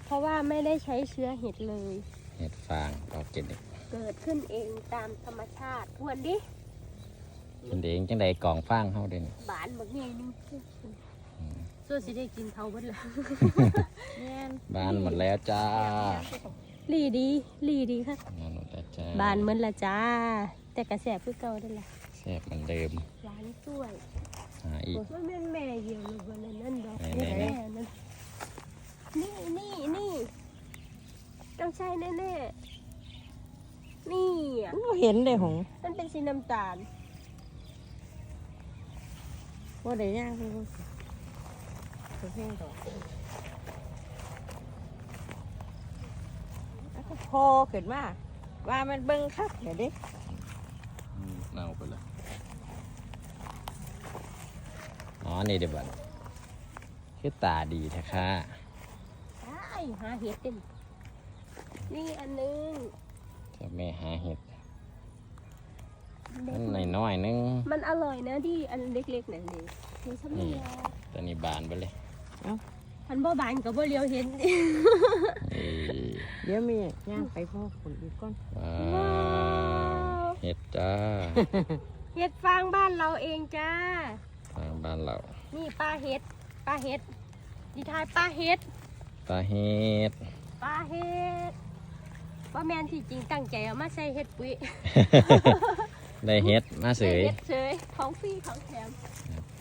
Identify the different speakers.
Speaker 1: เพราะว่าไม่ได้ใช้เชื้อเห็ดเลย
Speaker 2: เห็ดฟางออกเก็ดเด็ก
Speaker 1: เกิดขึ้นเองตามธรรมชาติทวนดิ
Speaker 2: กินเองจังใดกล่องฟางเฮาเด่น
Speaker 1: บานบักใหญ่นึงส่วนสิได้กินเท่าเบิดละ
Speaker 2: บานหมดแล้วจ้า
Speaker 1: ลีดีค่ะ
Speaker 2: บานหมดแล้วจ้า
Speaker 1: บานเหมือนละจ้า แต่กระแสคือเก่าได้ละ
Speaker 2: แซ่บเหมือนเดิม
Speaker 1: หวานสวย
Speaker 2: หาอีก
Speaker 1: มันเป็นแม่เหี่ยวเลยวันนั้นดอก
Speaker 2: ไหนๆ
Speaker 1: แม่นั่นนี่ต้องใช่แน่ๆนี่อ่ะ
Speaker 3: เห็นเลยหง
Speaker 1: มันเป็นสีน้ำตาล
Speaker 3: ว่าได้ย่างเพิ่งเพ่งต่อแล้วก็พอขึ้นมาว่ามันเบิ่งคักเดี๋ยวดิ
Speaker 2: เน่าไปเลยอ๋อนี่เดี๋ยวบัดคือตาดีแท้ค่ะ
Speaker 1: ใช่หาเห็ดเต็มนี่อันนึง
Speaker 2: จะแม่หาเห็ดมันน้อยๆนึง
Speaker 1: มันอร่อยนะที่อันเล็กๆนั่นเองคือสมัย
Speaker 2: ตอนนี้บานไปเลย
Speaker 1: พันบ่บานกับบ่เลี้ยวเห็น
Speaker 2: เอ้ย
Speaker 3: เดี๋ยวมีย่างไปพ่อผลอีกก้อน
Speaker 2: ว้าวเห็ดจ้า
Speaker 1: เห็ดฟางบ้านเราเองจ้า
Speaker 2: ทางบ้านเรา
Speaker 1: นี่ปลาเห็ดดีทายปลาเห็ด
Speaker 2: ตาเห็ด
Speaker 1: ว่าแมนที่จริงตั้งใจเอามาใส่เห็ดปุ๋ย
Speaker 2: ได้เห็ดมาเสย
Speaker 1: เห็ดเฉยของฟรีของแถม
Speaker 2: ครับ